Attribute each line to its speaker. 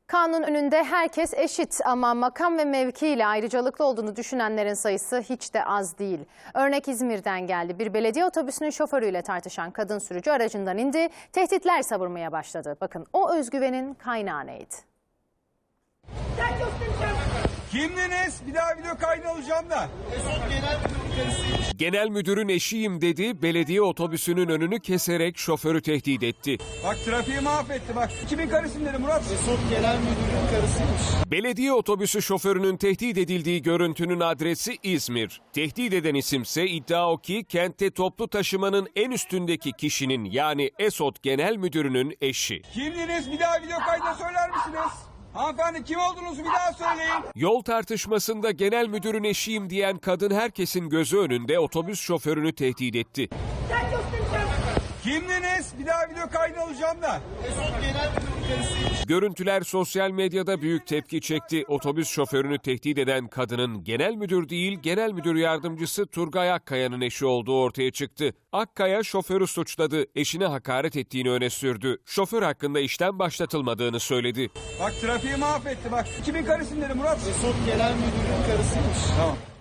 Speaker 1: Kanun önünde herkes eşit ama makam ve mevkiyle ayrıcalıklı olduğunu düşünenlerin sayısı hiç de az değil. Örnek İzmir'den geldi. Bir belediye otobüsünün şoförüyle tartışan kadın sürücü aracından indi, tehditler savurmaya başladı. Bakın o özgüvenin kaynağı neydi?
Speaker 2: Kimdiniz? Bir daha video kaydı alacağım da.
Speaker 3: Genel müdürün eşiyim dedi, belediye otobüsünün önünü keserek şoförü tehdit etti.
Speaker 2: Bak trafiği mahvetti bak. Kimin karısın dedi Murat?
Speaker 4: Genel müdürün karısıymış.
Speaker 3: Belediye otobüsü şoförünün tehdit edildiği görüntünün adresi İzmir. Tehdit eden isimse iddia o ki kentte toplu taşımanın en üstündeki kişinin yani ESOT Genel Müdürü'nün eşi.
Speaker 2: Kimdiniz? Bir daha video kaydı söyler misiniz? Hanımefendi kim olduğunuzu bir daha söyleyin.
Speaker 3: Yol tartışmasında genel müdürün eşiyim diyen kadın herkesin gözü önünde otobüs şoförünü tehdit etti.
Speaker 2: Kimdiniz? Bir daha video kaydı alacağım da.
Speaker 4: Genel müdürün karısıymış.
Speaker 3: Görüntüler sosyal medyada büyük tepki çekti. Otobüs şoförünü tehdit eden kadının genel müdür değil, genel müdür yardımcısı Turgay Akkaya'nın eşi olduğu ortaya çıktı. Akkaya şoförü suçladı, eşine hakaret ettiğini öne sürdü. Şoför hakkında işlem başlatılmadığını söyledi.
Speaker 2: Bak trafiği mahvetti bak. Kimin karısın dedi Murat?
Speaker 4: Genel müdürün karısıymış.
Speaker 2: Tamam.